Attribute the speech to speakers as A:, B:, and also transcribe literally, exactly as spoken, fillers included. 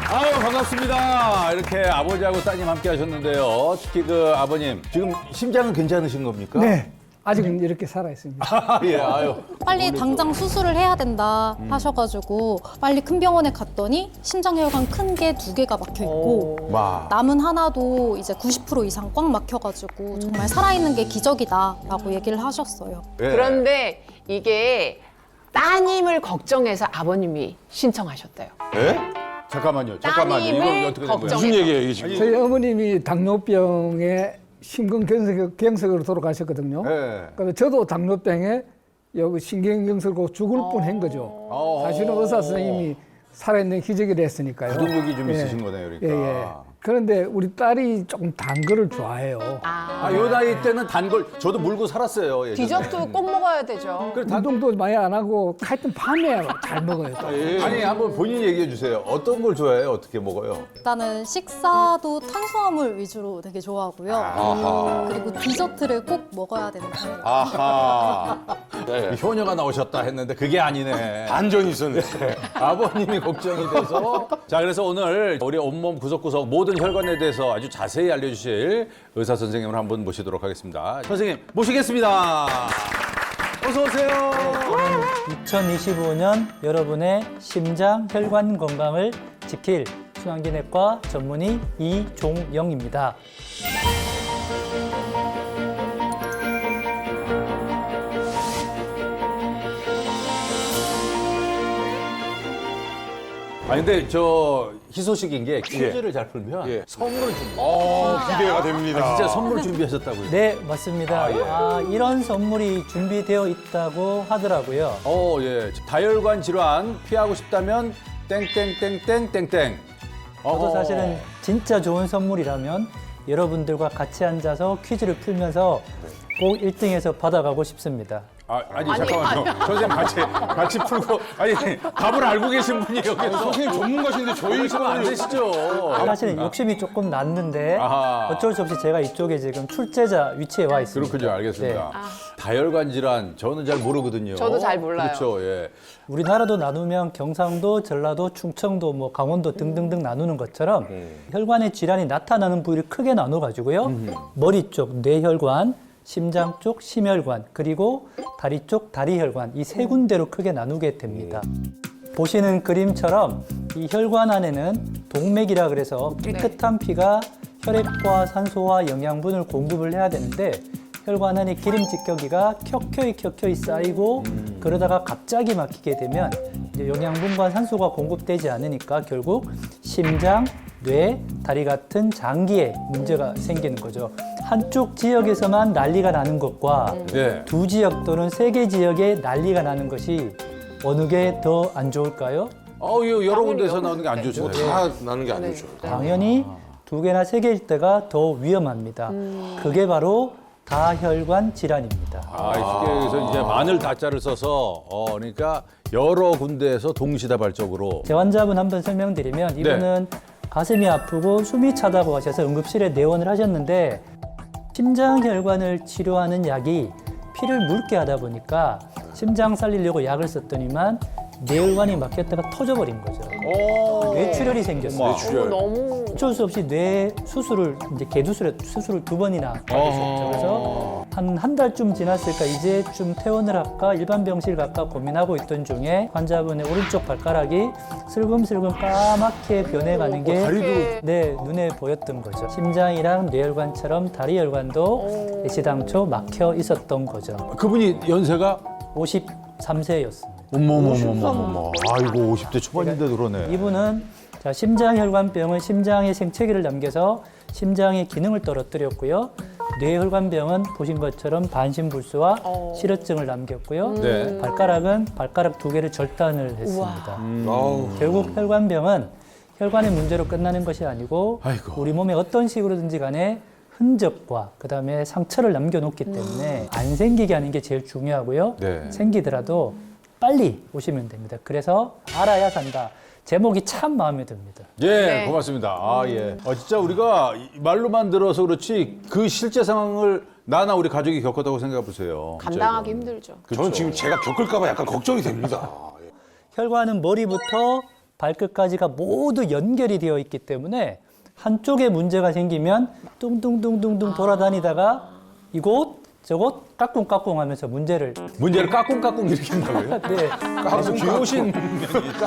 A: 아유, 반갑습니다. 이렇게 아버지하고 따님 함께 하셨는데요. 특히 그 아버님, 지금 심장은 괜찮으신 겁니까?
B: 네, 아직은 이렇게 살아 있습니다.
A: 예, 아유.
C: 빨리 당장 수술을 해야 된다 하셔가지고 빨리 큰 병원에 갔더니 심장혈관 큰 게 두 개가 막혀 있고
A: 와.
C: 남은 하나도 이제 구십 퍼센트 이상 꽉 막혀가지고 정말 살아있는 게 기적이다라고 얘기를 하셨어요.
A: 예.
D: 그런데 이게 따님을 걱정해서 아버님이 신청하셨대요.
A: 예? 잠깐만요, 잠깐만요.
D: 따님을
A: 이거 어떻게 된 거예요?
D: 걱정해서.
E: 무슨 얘기예요, 이게 지금?
B: 저희 어머님이 당뇨병에 심근경색으로 돌아가셨거든요.
A: 예.
B: 그래서 저도 당뇨병에 여기 신경경색으로 죽을 뻔한 거죠.
A: 어.
B: 사실은 의사 선생님이 살아있는 기적이라 했으니까요.
A: 부동력이 좀
B: 예.
A: 있으신 거네요, 그러니까.
B: 예, 예. 그런데 우리 딸이 조금 단 거를 좋아해요.
A: 아, 요 나이 때는 단 걸 저도 물고 살았어요. 예전에.
D: 디저트 꼭 먹어야 되죠.
A: 그래, 단-
B: 운동도 많이 안 하고 하여튼 밤에 잘 먹어요. 또.
A: 예. 아니, 한번 본인 얘기해 주세요. 어떤 걸 좋아해요? 어떻게 먹어요?
C: 일단은 식사도 탄수화물 위주로 되게 좋아하고요.
A: 아하.
C: 그리고 디저트를 꼭 먹어야 되는 편이에요.
A: 아하.
E: 네.
A: 효녀가 나오셨다 했는데 그게 아니네.
E: 반전이 있었네.
A: 아버님이 걱정이 돼서. 자, 그래서 오늘 우리 온몸 구석구석 모든 혈관에 대해서 아주 자세히 알려주실 의사 선생님을 한분 모시도록 하겠습니다. 선생님, 모시겠습니다. 어서 오세요.
F: 이천이십오 년 여러분의 심장 혈관 건강을 지킬 순환기내과 전문의 이종영입니다.
A: 아니, 근데 저 희소식인 게 퀴즈를 잘 풀면
E: 예.
A: 선물을 줍니다.
E: 어, 기대가 됩니다.
A: 아, 진짜 선물 준비하셨다고요?
F: 네, 맞습니다.
A: 아, 예.
F: 아, 이런 선물이 준비되어 있다고 하더라고요.
A: 어, 예. 다혈관 질환 피하고 싶다면 땡땡땡땡땡땡.
F: 저도
A: 어허.
F: 사실은 진짜 좋은 선물이라면 여러분들과 같이 앉아서 퀴즈를 풀면서 꼭 일 등해서 받아가고 싶습니다.
A: 아, 아니,
D: 아니,
A: 잠깐만요. 선생님 같이 같이 풀고 아니 답을 알고 계신 분이 여기서
E: 선생님 전문가신데 저희
A: 그러시면 안 되시죠.
F: 사실은 욕심이 조금 났는데
A: 아하.
F: 어쩔 수 없이 제가 이쪽에 지금 출제자 위치에 와 있습니다.
A: 그렇군요. 알겠습니다.
F: 네.
A: 다혈관 질환 저는 잘 모르거든요.
D: 저도 잘 몰라요.
A: 그렇죠. 예.
F: 우리나라도 나누면 경상도, 전라도, 충청도, 뭐 강원도 등등등 나누는 것처럼 혈관의 질환이 나타나는 부위를 크게 나눠 가지고요. 머리 쪽 뇌혈관, 심장 쪽 심혈관, 그리고 다리 쪽 다리혈관 이 세 군데로 크게 나누게 됩니다. 보시는 그림처럼 이 혈관 안에는 동맥이라 그래서 깨끗한 피가 혈액과 산소와 영양분을 공급을 해야 되는데 혈관 안에 기름질겨기가 켜켜이 켜켜이 쌓이고 그러다가 갑자기 막히게 되면 이제 영양분과 산소가 공급되지 않으니까 결국 심장, 뇌, 다리 같은 장기에 문제가 생기는 거죠. 한쪽 지역에서만 난리가 나는 것과
A: 네.
F: 두 지역 또는 세 개 지역에 난리가 나는 것이 어느 게 더 안 좋을까요?
A: 어, 이 여러 군데서 나오는 게 안 좋죠.
E: 뭐 다 나는 게 안 좋죠.
F: 당연히 두 개나 세 개일 때가 더 위험합니다. 그게 바로 다혈관 질환입니다.
A: 아, 쉽게 해서 이제 마늘 다자를 써서 어, 그러니까 여러 군데에서 동시다발적으로
F: 제 환자분 한번 설명드리면 이분은 가슴이 아프고 숨이 차다고 하셔서 응급실에 내원을 하셨는데 심장혈관을 치료하는 약이 피를 묽게 하다 보니까 심장 살리려고 약을 썼더니만 뇌혈관이 막혔다가 터져버린 거죠.
A: 오.
F: 뇌출혈이 생겼어요.
A: 어머.
D: 어, 너무
F: 어쩔 수 없이 뇌 수술을 이제 개두술에 수술을 두 번이나 받으셨죠. 그래서 한 한 달쯤 지났을까 이제 좀 퇴원을 할까 일반 병실 갈까 고민하고 있던 중에 환자분의 오른쪽 발가락이 슬금슬금 까맣게 변해가는 게
A: 다리도
F: 네, 눈에 보였던 거죠. 심장이랑 뇌혈관처럼 다리혈관도 애시당초 막혀 있었던 거죠.
A: 그분이 연세가
F: 오십삼 세였습니다.
A: 어머머머머머. 아이고 오십 대 초반인데 그러네.
F: 이분은 자, 심장혈관병은 심장에 생체기를 남겨서 심장의 기능을 떨어뜨렸고요. 뇌혈관병은 보신 것처럼 반신불수와
D: 어.
F: 실어증을 남겼고요.
A: 네.
F: 발가락은 발가락 두 개를 절단을 했습니다.
E: 아우.
F: 결국 혈관병은 혈관의 문제로 끝나는 것이 아니고
A: 아이고.
F: 우리 몸에 어떤 식으로든지 간에 흔적과 그다음에 상처를 남겨놓기 때문에 안 생기게 하는 게 제일 중요하고요.
A: 네.
F: 생기더라도 빨리 오시면 됩니다. 그래서 알아야 산다. 제목이 참 마음에 듭니다.
A: 예,
D: 네.
A: 고맙습니다. 아, 예. 어, 진짜 우리가 이 말로만 들어서 그렇지 그 실제 상황을 나나 우리 가족이 겪었다고 생각해 보세요.
D: 감당하기 힘들죠.
A: 그렇죠.
E: 저는 지금 제가 겪을까 봐 약간 걱정이 됩니다.
F: 혈관은 머리부터 발끝까지가 모두 연결이 되어 있기 때문에 한쪽에 문제가 생기면 뚱뚱뚱뚱뚱 돌아다니다가 이곳 저곳 까꿍까꿍 하면서 문제를
A: 문제를 까꿍까꿍 일으킨다고요?
F: 네.
A: 아주 귀여우신